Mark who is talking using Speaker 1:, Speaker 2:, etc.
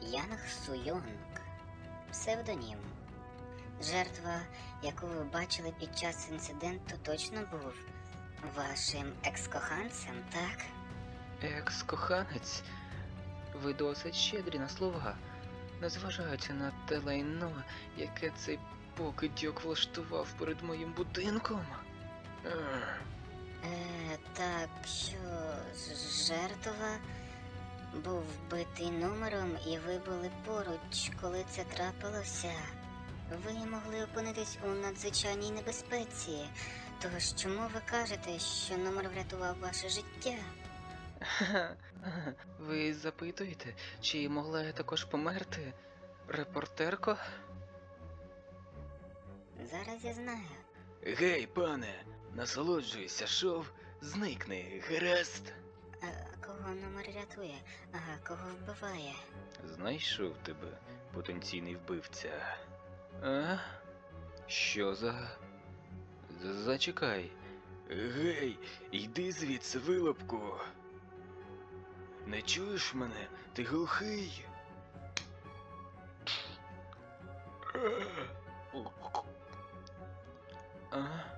Speaker 1: Янг Суйонг. Псевдонім. Жертва, яку ви бачили під час інциденту, точно був вашим екс-коханцем, так?
Speaker 2: Екс-коханець? Ви досить щедрі на слова, незважаючи на те лайно, яке цей покидьок влаштував перед моїм будинком.
Speaker 1: Так що жертва був вбитий номером, і ви були поруч, коли це трапилося. Ви могли опинитись у надзвичайній небезпеці. Тож чому ви кажете, що номер врятував ваше життя?
Speaker 2: Ви запитуєте, чи могла я також померти, репортерко?
Speaker 1: Зараз я знаю.
Speaker 2: Гей, пане, насолоджуйся, шоу, зникни, гаразд.
Speaker 1: А кого номер рятує, а кого вбиває?
Speaker 2: Знайшов тебе, потенційний вбивця. А? Що за... Зачекай. Гей, йди звідси, вилупку. Не чуєш мене? Ти глухий? А?